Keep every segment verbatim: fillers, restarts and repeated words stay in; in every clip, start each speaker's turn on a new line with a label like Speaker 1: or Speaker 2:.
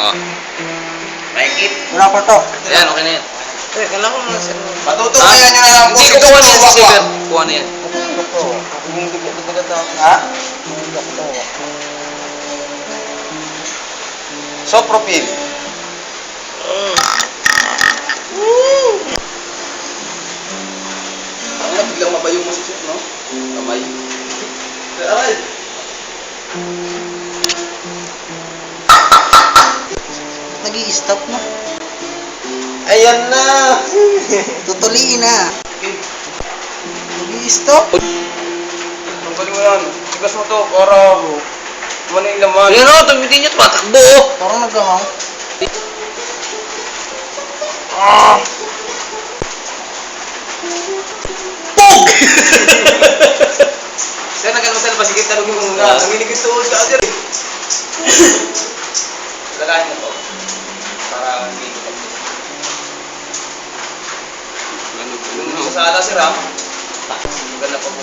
Speaker 1: Oh.
Speaker 2: Mahigit.
Speaker 3: Wala pa to.
Speaker 1: Ayan, okay na yan.
Speaker 3: Eh, kailangan mo na sir.
Speaker 2: Matutukayan nyo na lang po.
Speaker 1: Hindi ko kuha na yan si Saber. Kuha na yan.
Speaker 3: Ha?
Speaker 2: Sopropil. Ang na, biglang mabayo mo si Chef, no? Kamay. Aray!
Speaker 3: Nag-i-stop no?
Speaker 2: Ayan na!
Speaker 3: Tutuliin na. Nag-i-stop?
Speaker 2: Tanggalin mo yan. Tigas mo to para kumano yung laman.
Speaker 1: Ayan o, tumitin niya, tumatakbo o.
Speaker 3: Parang nag-ahang.
Speaker 2: Ah!
Speaker 1: Pog!
Speaker 2: Sir, nagano sa labas. Sige, talugin mo muna. Nanginig yung tuhod ka agad. Lagahin mo to. Para hindi ko tapos. Yung sa ala, sir, ha? Maganda pa po.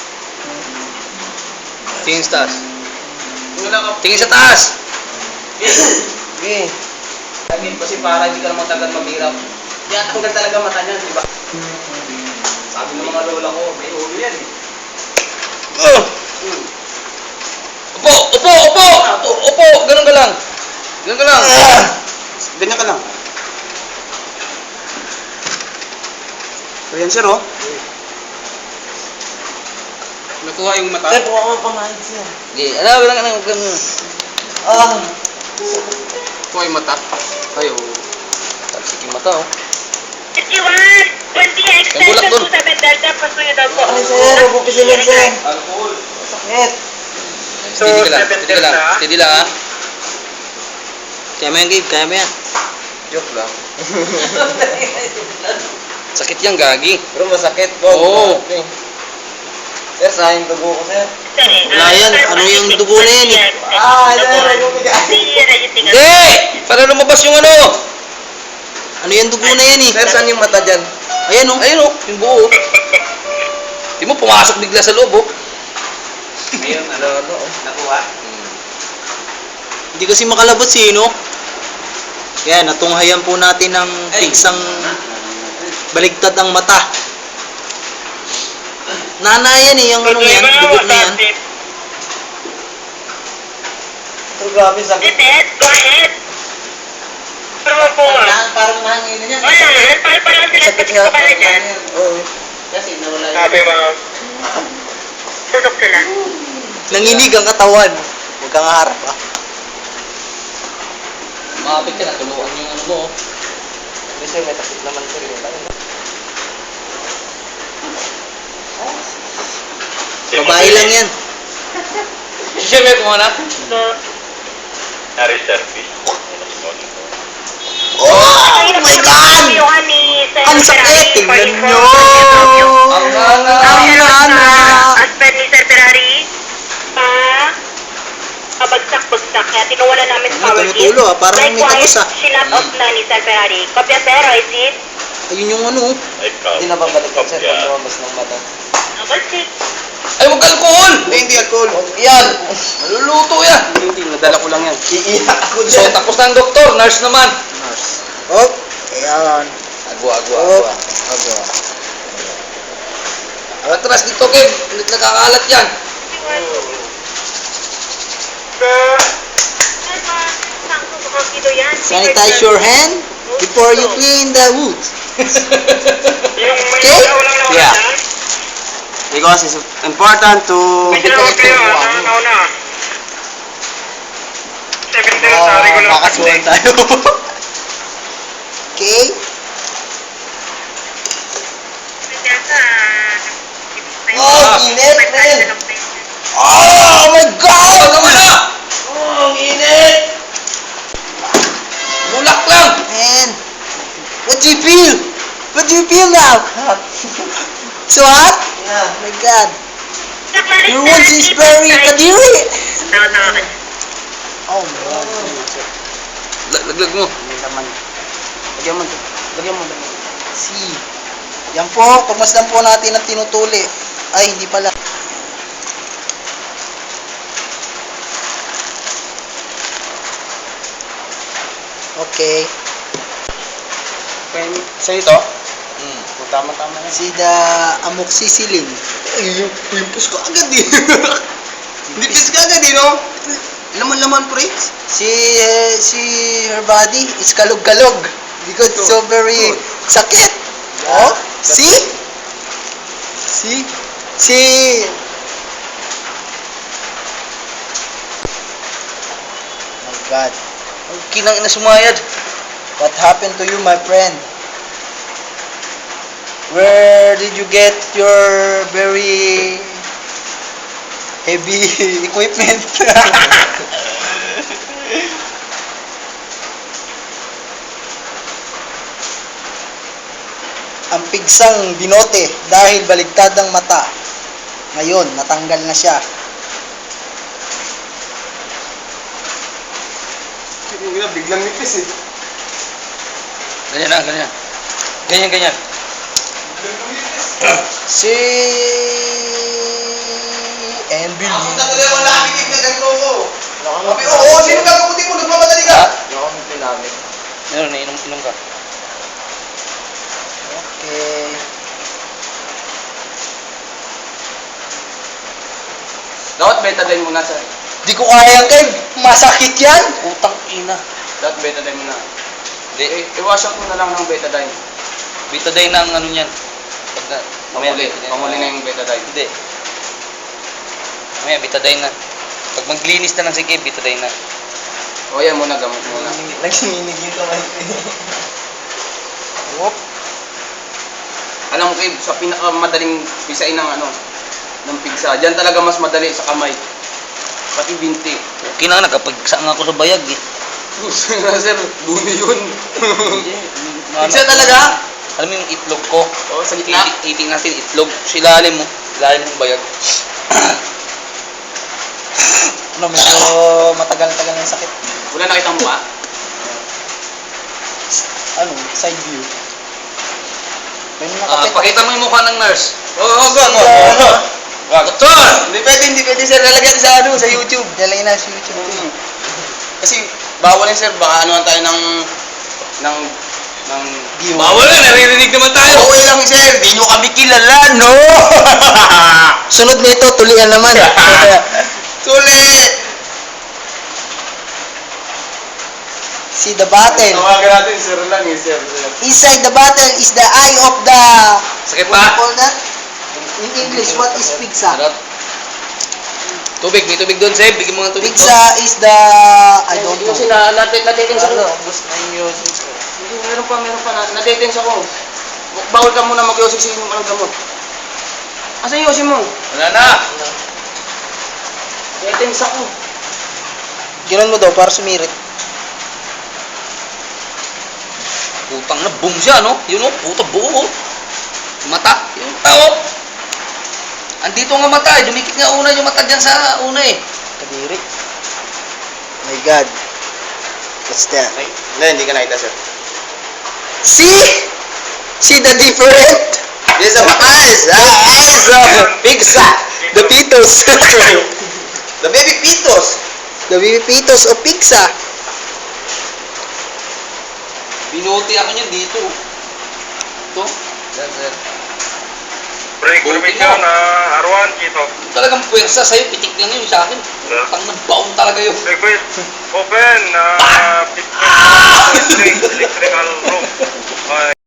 Speaker 1: Tingin sa taas.
Speaker 2: Yung lang ka.
Speaker 1: Tingin sa taas!
Speaker 2: Okay. Sabi, kasi para hindi ka naman tagal maghirap. Yan, tanggal talaga mata niyan, di ba? Sabi ng mga lola ko, may ulo yan eh.
Speaker 1: Oh!
Speaker 2: Hmm.
Speaker 1: Upo! Upo! Upo! Upo! Ganun ka lang. Ganun ka lang.
Speaker 2: Ganyan ka lang. So yan, sir, oh. Nakuha yung mata.
Speaker 3: Eh, buka mo pamahin siya.
Speaker 1: Hindi, ano, ganun ka lang. Ganun.
Speaker 3: Ah.
Speaker 2: Nakuha yung mata. Kayo.
Speaker 1: Talsik yung mata, oh.
Speaker 4: fifty-one, twenty
Speaker 1: Yung bulak
Speaker 4: extension
Speaker 1: dun.
Speaker 4: to seven Delta, pasuyo daw po.
Speaker 3: Ay, sir, huwag mo pisilin, sir.
Speaker 2: Alcohol.
Speaker 3: Sakit.
Speaker 1: Steady ka lang. Steady ka lang. Steady lang, ha? Kaya mo yan, Gabe. Kaya mo yan.
Speaker 2: Joke lang.
Speaker 1: Sakit yan, gagi.
Speaker 2: Pero masakit po.
Speaker 1: Oo.
Speaker 2: Sir, sayang dugo ko, sir.
Speaker 1: Wala yan. Ano yung dugo na yan, eh?
Speaker 2: Ah, sir, nagumigay.
Speaker 1: Hindi! Para lumabas yung ano. Ano yung dugo na yan, eh?
Speaker 2: Sir, saan yung mata dyan?
Speaker 1: Ayan, oh. Ayan, oh. Yung buo, oh. Di mo, pumasok bigla sa loob, oh.
Speaker 2: Ayun, ano, ano, nakuha.
Speaker 3: Hindi kasi makalabot si no? Kaya natunghayan po natin ng pigsang baligtad ang mata. Nana yan eh, yung ano yan, dugo na yan.
Speaker 2: Pero grabe, sakit.
Speaker 4: Ted, go ahead. Pero po,
Speaker 3: Parang mahangin na yan.
Speaker 4: wala, parang parang sila
Speaker 3: Sakit
Speaker 4: sa
Speaker 3: nga.
Speaker 4: pala dyan.
Speaker 3: Oo. Kasi nawala yun.
Speaker 4: Sabi mo, tutok sila.
Speaker 3: Nanginig ang katawan. Huwag kang harap ah.
Speaker 1: Makapit ka na. Tuluan yung ano mo, oh.
Speaker 2: Hindi, sir, may takip naman, sir.
Speaker 3: Babae lang yan.
Speaker 1: Siyempre, kung ano?
Speaker 3: Oh my God! Ang sakit! Tingnan nyo!
Speaker 1: Ang hanga!
Speaker 3: Ang hanga!
Speaker 4: Aspen ni Sir Ferrari. Ah, kabagsak-bagsak. Kaya tinuwala namin sa
Speaker 3: Ano,
Speaker 4: power
Speaker 3: tumutulo, ah. Parang may tagos, ah.
Speaker 4: Sinat off na ni Sir Ferrari. Kopya sir, I see.
Speaker 3: Ayun yung ano.
Speaker 2: Hindi na babalikan, sir, pag lumabas ng mata.
Speaker 4: Number six.
Speaker 1: Ay, huwag alcohol!
Speaker 2: Hindi, hindi alcohol.
Speaker 1: Yan! Maluluto yan!
Speaker 2: Hindi, hindi, nadala ko lang yan. Iiyak ako
Speaker 1: So, tapos na ang doktor. Nurse naman.
Speaker 3: Oh, ayan.
Speaker 1: Agwa, agwa,
Speaker 3: Oh,
Speaker 1: agwa.
Speaker 3: agwa.
Speaker 1: Atras dito, Kev. Nakakalat yan.
Speaker 3: Sanitize your hand before you clean the wood.
Speaker 4: Yung may
Speaker 3: Okay?
Speaker 4: ilaw lang naman
Speaker 2: Yeah.
Speaker 4: dyan.
Speaker 2: Because it's important to...
Speaker 4: May ilaw kayo, ano, nauna. Seven Delta,
Speaker 3: Oh,
Speaker 4: regular
Speaker 3: makasuhan tayo. Okay? Oh, init, man. Oh my God!
Speaker 1: Ano naman na?
Speaker 3: Oh, ang init!
Speaker 1: Bulak lang!
Speaker 3: Man, what do you feel? What do you feel now? So hot? Yeah. Oh my God. Your wounds is very kadiri. Oh my God.
Speaker 1: Laglag mo.
Speaker 2: Hindi naman. Lagyan mo. Lagyan mo.
Speaker 3: See. Yan po, pagmasdan po natin ang tinutuli. Ay, hindi pala. Okay.
Speaker 2: Pwede, sa'yo to?
Speaker 1: Hmm.
Speaker 2: O, tama-tama na.
Speaker 3: Si the amoxicillin.
Speaker 2: Ay, yung pimpos ko agad eh. Nipis ka agad eh, no? Laman-laman, pre.
Speaker 3: Si eh, si her body is kalog-kalog because it's so very sakit. Oh, see? See? See? My God.
Speaker 1: Ang kinang ina sumayad.
Speaker 3: What happened to you, my friend? Where did you get your very heavy equipment? Ang pigsang binote dahil baligtad ang mata. Ngayon, natanggal na siya.
Speaker 2: Yung ina, biglang nipis eh.
Speaker 1: Ganyan na, ganyan. Ganyan, ganyan.
Speaker 3: Si Envil.
Speaker 2: Ako na tuloy, wala kang bigig na ganito ko. Sabi, oo, sino gagabuti mo? Nagmamadali ka. Nakamit namin.
Speaker 1: Meron, inom, inom ka.
Speaker 3: Okay.
Speaker 2: Dapat betadine muna, sir.
Speaker 3: Di ko kaya, Kev. Masakit yan.
Speaker 1: Utang ina.
Speaker 2: Dapat betadine muna.
Speaker 1: Hindi.
Speaker 2: Eh, i-wash out mo na lang ng betadine.
Speaker 1: Betadine na ang ano niyan. Pag na, mamaya
Speaker 2: Pamuli.
Speaker 1: betadine.
Speaker 2: Pamuli na yung betadine.
Speaker 1: Hindi. Mamaya betadine na. Pag maglinis na lang si Kev, betadine na.
Speaker 2: O yan muna, gamot muna.
Speaker 3: Nagsininig yung kamay ko. Whoop.
Speaker 2: Alam mo, Kev, sa pinakamadaling pisain ng ano, ng pigsa, dyan talaga mas madali sa kamay. Pati binti.
Speaker 1: Okay na, nagkapagsaang ako sa bayag eh.
Speaker 2: Sir, dumi yun.
Speaker 1: Ano,
Speaker 2: Pigsa talaga?
Speaker 1: Alam mo yung itlog ko?
Speaker 2: Oo, sa gitna.
Speaker 1: Itik, itik natin itlog. Sa ilalim mo. Ilalim ng bayag.
Speaker 3: Ano, medyo matagal-tagal ng sakit.
Speaker 2: Wala nakita mo ba?
Speaker 3: Ano, side view. May
Speaker 1: Ah,
Speaker 3: nakakita.
Speaker 1: pakita mo yung mukha ng nurse.
Speaker 2: Oo, oh, go, go.
Speaker 3: Ano?
Speaker 1: Wag, doktor!
Speaker 2: Hindi pwede, hindi pwede, sir. Lalagyan sa ano, sa YouTube.
Speaker 3: Dalay na sa YouTube.
Speaker 2: Mm. Kasi, bawal yan, sir. Baka anuhan tayo ng, ng, ng...
Speaker 1: Bawal na, naririnig naman tayo.
Speaker 2: Okay lang, sir. Di nyo kami kilala, no?
Speaker 3: Sunod nito, tulian naman.
Speaker 2: Tuli!
Speaker 3: See the battle.
Speaker 2: Tawagan natin, sir lang, eh, sir.
Speaker 3: Inside the battle is the eye of the...
Speaker 1: Sakit
Speaker 3: What do you
Speaker 1: pa?
Speaker 3: call that? In English, what is pigsa?
Speaker 1: Sarap. Tubig, may tubig doon, Seb. Bigyan mo ng tubig.
Speaker 3: Pigsa is the... I don't know.
Speaker 2: Yung sina, natin, natitins ako.
Speaker 3: ubus na yung yosin ko.
Speaker 2: Hindi, meron pa, meron pa. na- Natitins ako. Bawal ka muna mag-yosik sa inyong anong gamot. Asa yung yosin mo?
Speaker 1: Wala na.
Speaker 2: Natitins ako.
Speaker 3: Ginan mo daw para sumirit.
Speaker 1: Putang na, boom siya, no? Yun, oh. Puta, buo, oh. Mata. Yung tao. Andito nga mata, eh. Dumikit nga una yung mata dyan sa una, eh.
Speaker 3: Kadiri. My God. What's that?
Speaker 2: Ay, hindi, hindi ka nakita, sir.
Speaker 3: See? See the different?
Speaker 2: This is my eyes. Ah, eyes of pigsa.
Speaker 3: The pitos.
Speaker 2: The baby pitos.
Speaker 3: The baby pitos of pigsa.
Speaker 1: Binuti ako niyan dito. Ito. Yan, sir.
Speaker 5: Break
Speaker 1: Buti
Speaker 5: permission,
Speaker 1: mo.
Speaker 5: uh, Arwan, Kito.
Speaker 1: Talagang puwersa sa'yo. Pitik lang yun sa akin. Putang na, baon talaga yun.
Speaker 5: Request, open, uh, electrical room. Uh,